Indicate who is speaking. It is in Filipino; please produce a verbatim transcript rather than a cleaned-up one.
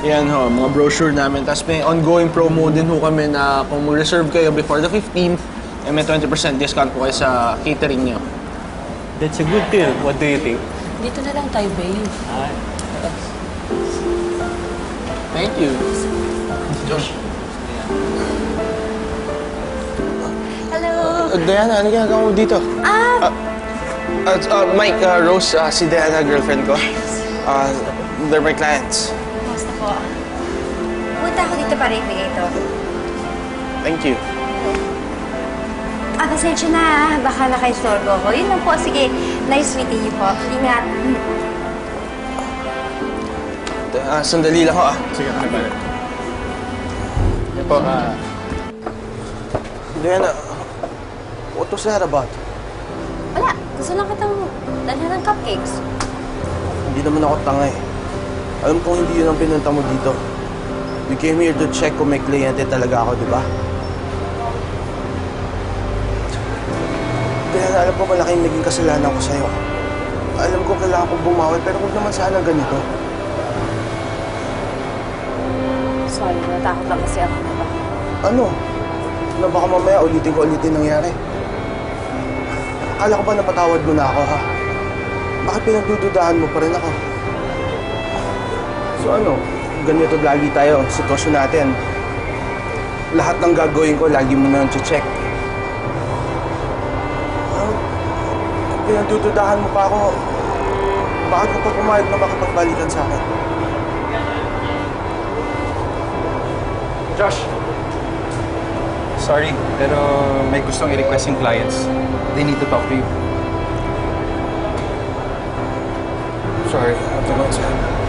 Speaker 1: Yan ho, mga brochure namin. Tapos may ongoing promo din ho kami na kung mag-reserve kayo before the fifteenth, eh, may twenty percent discount po kayo sa catering niyo.
Speaker 2: That's a good deal. What do you think?
Speaker 3: Dito na lang tayo, babe.
Speaker 2: Ah,
Speaker 1: Thank you. Josh.
Speaker 3: Hello!
Speaker 1: Uh, Diana, ano ginagawa mo dito?
Speaker 3: Ah!
Speaker 1: Uh, uh, Mike, uh, Rose, uh, si Diana, girlfriend ko. Uh, they're my clients.
Speaker 3: Basta po. Punta ako dito para ibigay ito.
Speaker 1: Thank you.
Speaker 3: Ah, pasensya na ah. Baka naka-istorbo ko. Yun lang po. Sige, nice meeting you po. Ingat.
Speaker 1: Uh, sandali lang ho ah.
Speaker 2: sige, ano ba? Yan po, ah...
Speaker 1: Diana, what was that about?
Speaker 3: Wala. Gusto lang kitang dalhan ng cupcakes.
Speaker 1: Hindi naman ako tanga eh. Alam kong hindi yun ang pinunta mo dito. You came here to check kung may kliyente talaga ako, di ba? Diana, alam ko malaking naging kasalanan ko sa'yo. Alam ko kailangan kong bumawi, pero huwag naman sana ganito.
Speaker 3: Sorry, natakot lang kasi ako na ba?
Speaker 1: Ano? Na baka mamaya ulitin ko ulitin nangyari. Akala ko ba napatawad mo na ako, ha? Bakit pinagdududahan mo pa rin ako? So ano, ganito lagi tayo, sitwasyon natin. Lahat ng gagawin ko, lagi mo na check. Ano? Kung pinagdududahan mo pa ako, bakit ka pa pumayag na makapagbalikan sa akin?
Speaker 4: Josh! Sorry, pero may gustong i-request yung clients. They need to talk to you.
Speaker 1: Sorry, I have to go outside.